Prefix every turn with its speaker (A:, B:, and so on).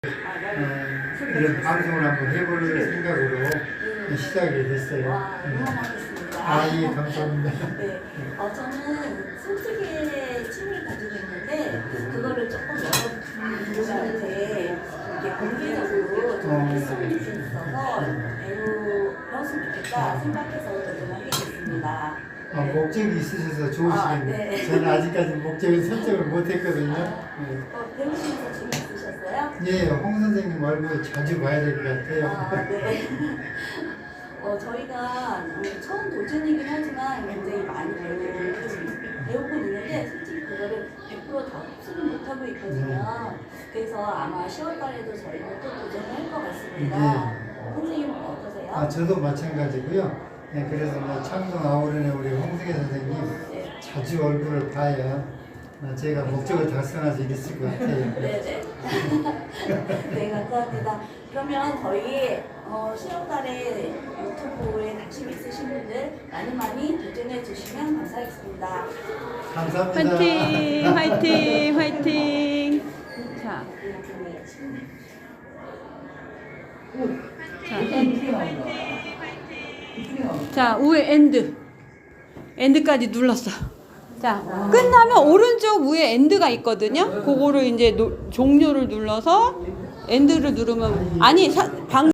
A: 이런 방송을 한번 해볼 생각으로 시작이 됐어요. 예, 감사합니다.
B: 네, 저는 솔직히 취미를 가지고 있는데 그거를 조금 여러분들한테 이렇게 공개적으로 좀 했으면 좋겠어서 배웠으면 좋겠다 생각해서 도전을 하게 됐습니다.
A: 목적이 있으셔서 좋으시겠네요.
B: 네.
A: 저는 아직까지 목적을 설정을 못했거든요.
B: 배우시면서 재미있으셨어요?
A: 예, 홍 선생님 얼굴 자주 봐야 될 것 같아요.
B: 네. 저희가 처음 도전이긴 하지만 굉장히 많이 배우고 있는데 솔직히 그거를 100%다 흡수를 못하고 있거든요. 그래서 아마 10월 달에도 저희가 또 도전을 할 것 같습니다. 선생님은 어떠세요?
A: 저도 마찬가지고요. 네, 그래서 창동 아우른의 우리 홍승혜 선생님 자주 얼굴을 봐야 제가 목적을 달성할 수 있을 것 같아요.
B: 네네. 네, 감사합니다. 그러면 저희 10월 달에 유튜브에 관심 있으신 분들 많이 도전해 주시면 감사하겠습니다.
A: 감사합니다.
C: 화이팅! 화이팅! 화이팅! 자, 자, 위에 엔드까지 눌렀어. 자, 끝나면 오른쪽 위에 엔드가 있거든요. 그거를 이제 종료를 눌러서 엔드를 누르면 아니 방